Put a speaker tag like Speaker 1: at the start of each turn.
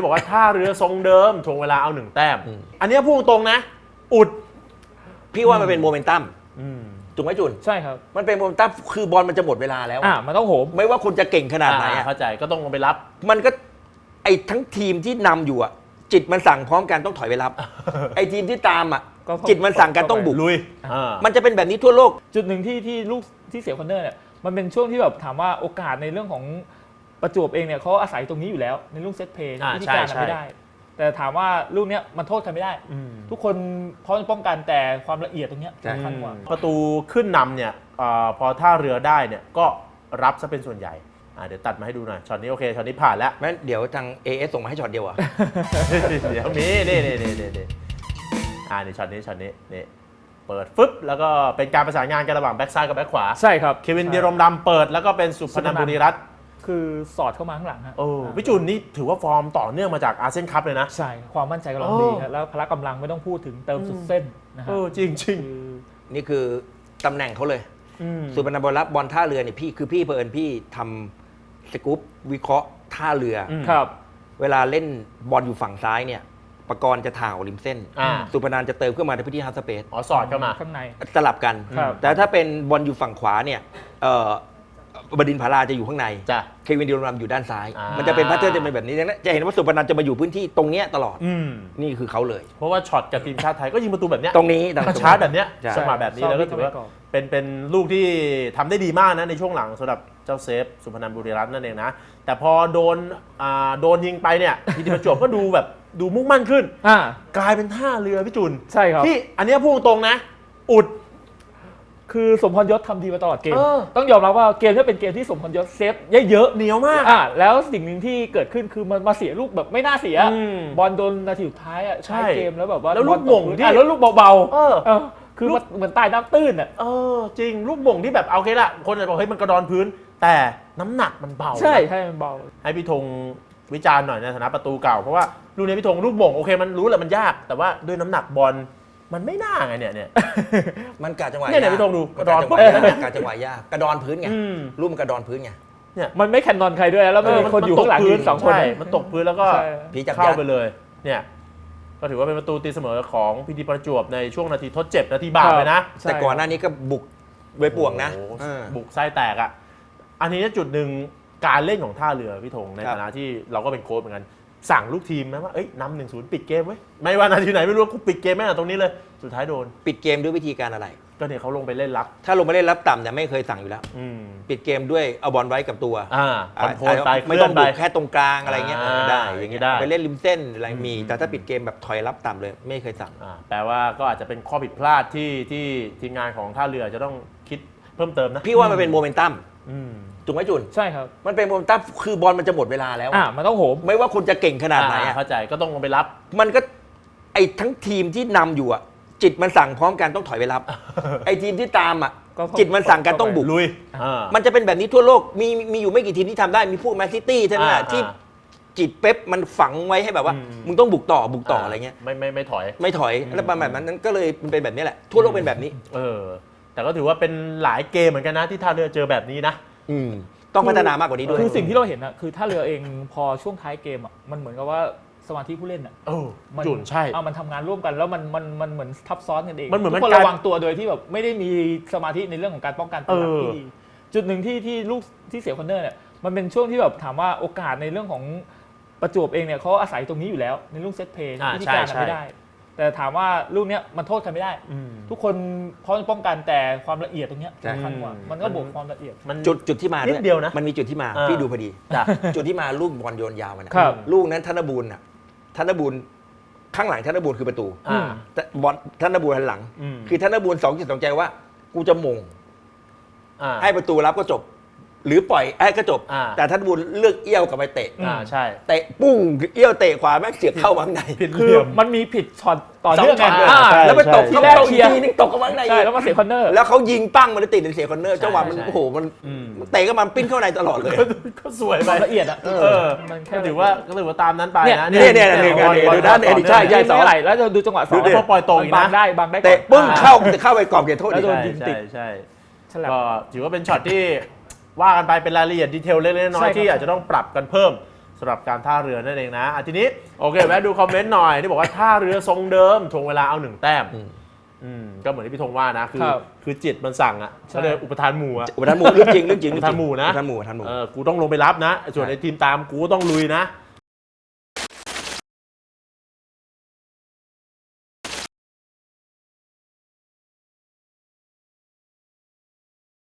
Speaker 1: บอกว่าท่าเรือทรงเดิมทวงเวลาเอา1 แต้มอันนี้พูดตรงนะอุด
Speaker 2: พี่ว่ามันเป็นโมเมนตัมถูกไหมจุน
Speaker 3: ใช่ครับ
Speaker 2: มันเป็นโมเมนตัมคือบอลมันจะหมดเวลาแล้ว
Speaker 3: มันต้องโหม
Speaker 2: ไม่ว่าคุณจะเก่งขนาดไหน
Speaker 1: เข้าใจก็ต้องลงไปรับ
Speaker 2: มันก็ไอ้ทั้งทีมที่นำอยู่จิตมันสั่งพร้อมกันต้องถอยไปรับไอ้ทีมที่ตามจิตมันสั่งกันต้องบุก
Speaker 1: ลุย
Speaker 2: มันจะเป็นแบบนี้ทั่วโลก
Speaker 3: จุดหนึ่งที่ลูกที่เสียคอนเนอร์เนี่ยมันเป็นช่วงที่แบบถามว่าโอกาสในเรื่องของประจวบเองเนี่ยเขาอาศัยตรงนี้อยู่แล้วในลูกเซตเพย์วิธีการไม่ได้แต่ถามว่าลูกเนี้ยมันโทษใครไม่ได้ทุกคนพร้อมจะป้องกันแต่ความละเอียดตรงเนี้ยสำคัญกว่า
Speaker 1: ประตูขึ้นนำเนี่ยพอท่าเรือได้เนี่ยก็รับซะเป็นส่วนใหญ่เดี๋ยวตัดมาให้ดูหน่อยช็อตนี้โอเคช็อตนี้ผ่านแล้ว
Speaker 2: งั้นเดี๋ยวทาง AS ส่งมาให้ช็อตเดียว
Speaker 1: เดี๋ยวมีนี่ช็อตนี้นี่เปิดฟึบแล้วก็เป็นการประสานงานกันระหว่างแบ็กซ้ายกับแบ็กขวา
Speaker 3: ใช่ครับ
Speaker 1: เควิน ดิรมดำเปิดแล้วก็เป็นสุพนันท์ บุรีรัตน์
Speaker 3: คือสอดเข้ามาข้างหลังฮะ
Speaker 1: พี่จุนนี่ถือว่าฟอร์มต่อเนื่องมาจากอาเซียนคัพเลยนะ
Speaker 3: ใช่ความมั่นใจกำลังดีแล้วพละกำลังไม่ต้องพูดถึงเติมสุดเส้นนะฮะ
Speaker 1: จริง
Speaker 2: นี่คือตำแหน่งเขาเลยสุพนันท์ บุรีรัตน์บอลท่าเรือเนี่ยพี่เผอิญพี่ทำสกู๊ปวิเคราะห์ท่าเรือ
Speaker 3: ครับ
Speaker 2: เวลาเล่นบอลอยู่ฝั่งซ้ายเนี่ยปกรณ์จะถ่าวริมเส้นสุพนันท์จะเติมขึ้นมาในพื้นที่ฮาร์ดสเปซ
Speaker 1: สอดเข้ามา
Speaker 3: ข้างใน
Speaker 2: สลับกันแต่ถ้าเป็นบอลอยู่ฝั่งขวาเนี่ยบดินทร์ ผาลาจะอยู่ข้างในเควิน ดิรมดำอยู่ด้านซ้ายมันจะเป็นแพทเทิร์นจะเป็นแบบนี้จะเห็นว่าสุพนันท์จะมาอยู่พื้นที่ตรงนี้ตลอดนี่คือเขาเลย
Speaker 1: เพราะว่าช็อตกับทีมชาติไทยก็ยิงประตูแบบนี้
Speaker 2: ตรงนี้
Speaker 1: ชาร์จแบบนี้สมาแบบนี้แล้วก็ถือว่าเป็นลูกที่ทำได้ดีมากนะในช่วงหลังสำหรับเจ้าเซฟสุพนันท์ บุรีรัตน์นั่นเองนะแต่พอโดนยิงไปเนี่ยพีทีประจวบก็ดูมุ่งมั่นขึ้นกลายเป็นท่าเรือพี่จุน
Speaker 3: ใช่ครับ
Speaker 1: ที่อันนี้พูดตรงนะอุด
Speaker 3: คือสมพรยศทำดีมาตลอดเกมต้องยอมรับว่าเกมนี้เป็นเกมที่สมพรยศเซฟเยอะ
Speaker 1: เหนียวมาก
Speaker 3: แล้วสิ่งหนึ่งที่เกิดขึ้นคือมันมาเสียลูกแบบไม่น่าเสียบอลโดนนาทีสุดท้าย
Speaker 1: ใช่
Speaker 3: เกมแล้วแบบว่า
Speaker 1: แล้วลูกหม่งที่
Speaker 3: แล้วลูกเบาๆคือเหมือนใต้น้ำตื้น
Speaker 1: จริงลูกหม่งที่แบบโอเคละคนจะบอกเฮ้ยมันกระดอนพื้นแต่น้ำหนักมันเบา
Speaker 3: ใช่มันเบา
Speaker 1: ให้พี่ธงวิจารณ์หน่อยในฐานะประตูเก่าเพราะว่าลูกนี้พี่ธงลูกหม่งโอเคมันรู้แหละมันยากแต่ว่าด้วยน้ำหนักบอลมันไม่น่าไงเนี่ย
Speaker 2: มันกะจังหวะ
Speaker 1: เนี่ยพี่ธงดู
Speaker 2: กระดอนกะจังหวะยากกระดอนพื้นไงลูกมันกระดอนพื้นไง
Speaker 3: เนี่ยมันไม่แคนนอนใครด้วยแล้วมีคนอยู่ข้างหลังยืน2 คน
Speaker 1: มันตกพื้นแล้วก็เข้าไปเลยเนี่ยก็ถือว่าเป็นประตูตีเสมอของพีทีประจวบในช่วงนาทีทดเจ็บนาทีบาปเลยนะ
Speaker 2: แต่ก่อนหน้านี้ก็บุกไว้ป่วงนะ
Speaker 1: บุกไส้แตกอันนี้จุดหนึ่งการเล่นของท่าเรือพี่ธงในฐานะที่เราก็เป็นโค้ชเหมือนกันสั่งลูกทีมนะว่าเอ้ยนำ 1-0 ปิดเกมไว้ไม่ว่านาทีไหนไม่รู้กูปิดเกมแม่ตรงนี้เลยสุดท้ายโดน
Speaker 2: ปิดเกมด้วยวิธีการอะไร
Speaker 1: ก็เนี่ยเขาลงไปเล่นรับ
Speaker 2: ถ้าลงไปเล่นรับต่ำเนี่ยไม่เคยสั่งอยู่แล้วปิดเกมด้วยเอาบอลไว้กับตัว
Speaker 1: คอนโทรลไป
Speaker 2: ไม่ต้องบุกแค่ตรงกลางอะไรเงี้ยได้อย่างเงี้ยไปเล่นริมเส้นอะไรมีแต่ถ้าปิดเกมแบบถอยรับต่ำเลยไม่เคยสั่ง
Speaker 1: แปลว่าก็อาจจะเป็นข้อผิดพลาดที่ทีมงานของท่าเรือจะต้องคิดเพิ่มเติมนะ
Speaker 2: พี่ว่ามันเป็นโมเมนตัมถูกไหมจุน
Speaker 3: ใช่ครับ
Speaker 2: มันเป็นโมเมนตัมคือบอลมันจะหมดเวลาแล้ว
Speaker 3: มันต้องโหม
Speaker 2: ไม่ว่าคุณจะเก่งขนาดไหน
Speaker 1: เข้าใจก็ต้องลงไปรับ
Speaker 2: มันก็ไอ้ทั้งทีมที่นำอยู่จิตมันสั่งพร้อมกันต้องถอยไปรับไอ้ทีมที่ตามจิตมันสั่งกันต้องบุก
Speaker 1: ลุย
Speaker 2: มันจะเป็นแบบนี้ทั่วโลกมีอยู่ไม่กี่ทีมที่ทำได้มีพวกแมนซิตี้เท่านั้นที่จิตเป๊ปมันฝังไว้ให้แบบว่ามึงต้องบุกต่ออะไรเงี้ย
Speaker 1: ไม่ถอย
Speaker 2: แล้วแบบนั้นก็เลยเป็นแบบนี้แหละทั่วโลกเป็นแบบนี้
Speaker 1: แต่ก็ถือว่าเป็นหลายเกมเหมือนกันนะที่ท่าเรือเจอแบบนี้นะ
Speaker 2: ต้องพัฒนามากกว่านี้ด้วย
Speaker 3: คือสิ่งที่เราเห็นคือท่าเรือเองพอช่วงท้ายเกมมันเหมือนกับว่าสมาธิผู้เล่น
Speaker 1: จุนใช่
Speaker 3: มันทำงานร่วมกันแล้วมันเหมือนทับซ้อนกันเอง
Speaker 1: มันเหมือน
Speaker 3: คนระวังตัวโดยที่แบบไม่ได้มีสมาธิในเรื่องของการป้องกันตัวที่ดีจุดหนึ่งที่ลูกที่เสียคอนเนอร์เนี่ยมันเป็นช่วงที่แบบถามว่าโอกาสในเรื่องของประจวบเองเนี่ยเขาอาศัยตรงนี้อยู่แล้วในลูกเซตเพย์วิธีการไม่ได้แต่ถามว่าลูกเนี้ยมันโทษใครไม่ได้ทุกคนพร้อมจะป้องกันแต่ความละเอียดตรงเนี้ยสำคัญกว่ามันก็บวกความละเอียด
Speaker 2: จุดที่มาด้วยมันมีจุดที่มาพี่ดูพอดีจุดที่มาลูกบอลโยนยาวมันลูกนั้นธนบูรณ์ข้างหลังธนบูรณ์คือประตูแต่บอลธนบูรณ์หันหลังคือธนบูรณ์2.2ใจว่ากูจะมงให้ประตูรับก็จบหรือปล่อยก็จบแต่ธนบูรณ์เลือกเอี้ยวกลับไปเตะ
Speaker 1: ใช่
Speaker 2: เตะปุ้งเอี้ยวเตะขวาแม่งเสียบเข้าข้างใน
Speaker 3: คือมันมีผิดช็อตต่อเนื่องกัน
Speaker 2: แล้วไปตกที่แรกทีนึงตกเข้าข้างใน
Speaker 3: ใช่แล้วมาเสียคอนเนอร์
Speaker 2: แล้วเขายิงปั้งมันติดเสียคอนเนอร์จังหวะมันโอ้โหมันเตะก็มันปิ้นเข้าในตลอดเลย
Speaker 1: ก็สวยไป
Speaker 3: ละเอียด
Speaker 1: มันก็ถือว่าตามนั้นไปนะ
Speaker 2: เนี่ยดูด้านใช่
Speaker 3: สองอะไรแล้วดูจังหวะ2
Speaker 1: พอปล่อยตรงอีกนะ
Speaker 3: บางได้
Speaker 2: เตะปึ้งเข้าไปกรอบเขตโทษ
Speaker 3: แล้วโดนยิงติด
Speaker 1: ใช่ก็ถือว่าเป็นช็อตที่ว่ากันไปเป็นรายละเอียดดีเทลเล็กๆน้อยๆที่อาจจะต้องปรับกันเพิ่มสำหรับการท่าเรือนั่นเองนะทีนี้โอเคแวะดูคอมเมนต์หน่อยที่บอกว่าท่าเรือทรงเดิมทวงเวลาเอา1 แต้มก็เหมือนที่พี่ธงว่านะคือจิตมันสั่งอ่ะก็เลยอุปทานหมู่อ่ะ
Speaker 2: อุปทานหมู่เรื่องจริง
Speaker 1: อุปทานหมู่นะ
Speaker 2: อุปทานหมู่
Speaker 1: กูต้องลงไปรับนะส่วนในทีมตามกูก็ต้องลุยนะ